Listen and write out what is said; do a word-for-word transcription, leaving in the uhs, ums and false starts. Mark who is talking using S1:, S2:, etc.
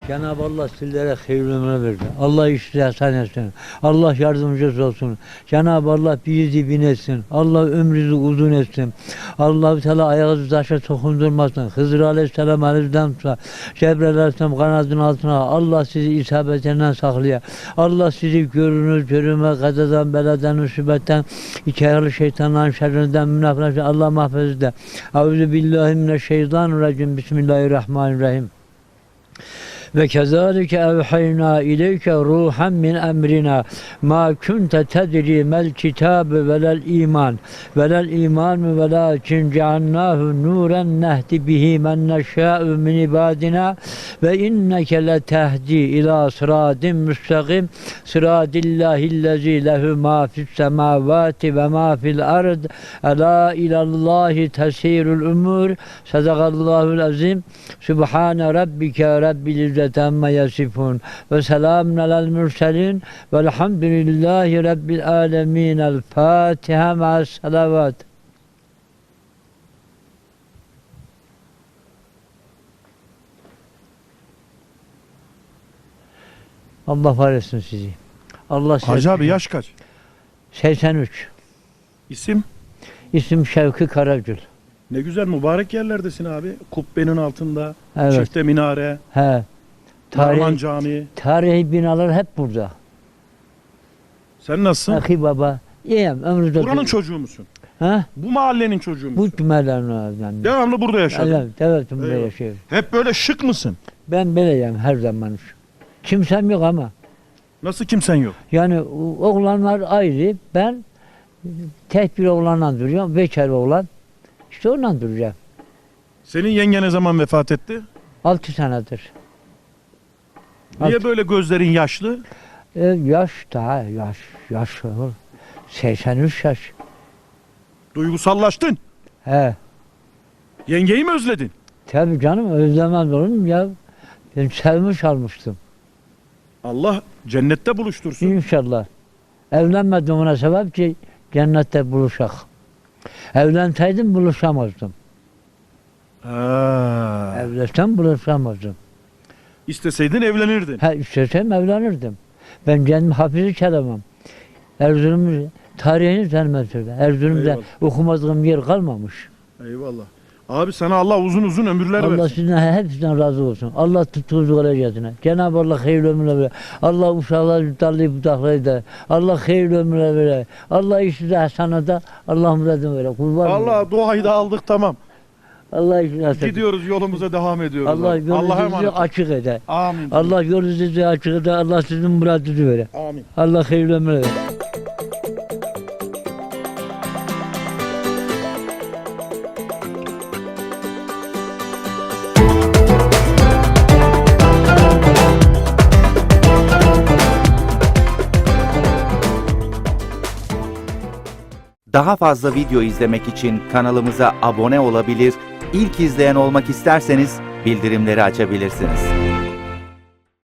S1: Cenab-ı Allah sizlere hayırlı ömür verdi. Allah işleri hasan etsin. Allah yardımcınız olsun. Cenab-ı Allah bizi bin etsin. Allah ömrünüzü uzun etsin. Allah-u Teala ayağınızı taşa dokundurmasın. Hızır Aleyhisselam elinizden tutsa, Cebrail Aleyhisselam kanadının altına. Allah sizi isabetinden saklaya. Allah sizi görünür, görünme, kazadan, beladan, musibetten, iki ayaklı şeytanların şerrinden, münafıklardan Allah mahfuz de. Euzubillahimineşşeytanirracim. Bismillahirrahmanirrahim. Ve kezalike evhayna ileyke ruhan min emrina ma kunte tedri mel kitabe velel iman velel iman velakin cealnahu nuren nehdi bihi men neşâ'u min ibadina ve inneke letehdi ila sıradin müstakim sıradillahillezî lehu ma fis semâvâti ve ma fil ard elâ ilallahi tesîrul umur sadakallahul azim subhane rabbike rabbil amma yasifun ve selamun alel mürselin velhamdülillahi rabbil alemin. El Fatiha ma'as salavat. Allah var etsin sizi. Allah
S2: Hacı abi yaş kaç?
S1: seksen üç.
S2: İsim?
S1: İsim Şevki Karagül.
S2: Ne güzel mübarek yerlerdesin abi. Kubbenin altında,
S1: Evet.
S2: çifte minare,
S1: He.
S2: Narman
S1: Tarih,
S2: Camii.
S1: tarihi binalar hep burada.
S2: Sen nasılsın?
S1: Akı baba. İyiyim. Ömrümde.
S2: Buranın çocuğu musun?
S1: Ha?
S2: Bu mahallenin çocuğu
S1: Bu
S2: musun?
S1: cümlelerden.
S2: Devamlı burada yaşadın.
S1: Evet, evet, burada
S2: Eyvallah.
S1: yaşıyorum.
S2: Hep böyle şık mısın?
S1: Ben böyleyim her zaman. Kimsem yok ama.
S2: Nasıl kimsen yok?
S1: Yani oğlanlar ayrı. Ben tek bir oğlanla duruyorum. Bekar oğlan. İşte onunla duracağım.
S2: Senin yenge ne zaman vefat etti?
S1: Altı senedir.
S2: Niye
S1: Alt-
S2: böyle gözlerin yaşlı?
S1: E, yaş daha yaş. Yaş olur. seksen üç yaş.
S2: Duygusallaştın.
S1: He.
S2: Yengeyi mi özledin?
S1: Tabii canım özlemez olur muyum ya? Ben sevmiş almıştım.
S2: Allah cennette buluştursun.
S1: İnşallah. Evlenmedim ona sebep ki cennette buluşak. Evlenseydim buluşamazdım.
S2: Ha.
S1: Evlensem buluşamazdım.
S2: İsteseydin evlenirdin.
S1: Ha istesem evlenirdim. Ben kendim hafizi çalamam. Erzurum tarihini tanımazdım. Erzurum'da
S2: Eyvallah.
S1: okumadığım yer kalmamış.
S2: Eyvallah. Abi sana Allah uzun uzun ömürler
S1: Allah
S2: versin.
S1: sizden hepsinden razı olsun. Allah tuttuğunuz derecesine. Cenab-ı Allah hayırlı ömürler verir. Allah uşaklar yutarlayıp budaklayı da. Allah hayırlı ömürler verir. Allah işinize hasanada. Allah muradını verir. Kurban
S2: Allah duayı da aldık tamam.
S1: Allah işinize hasanada.
S2: Gidiyoruz yolumuza devam ediyoruz.
S1: Allah
S2: abi. Allah'a
S1: yolunuzu
S2: emanet.
S1: açık eder.
S2: Amin.
S1: Allah yolunuzu açık eder. Allah sizin muradınızı verir.
S2: Amin.
S1: Allah hayırlı ömürler verir.
S3: Daha fazla video izlemek için kanalımıza abone olabilir, ilk izleyen olmak isterseniz bildirimleri açabilirsiniz.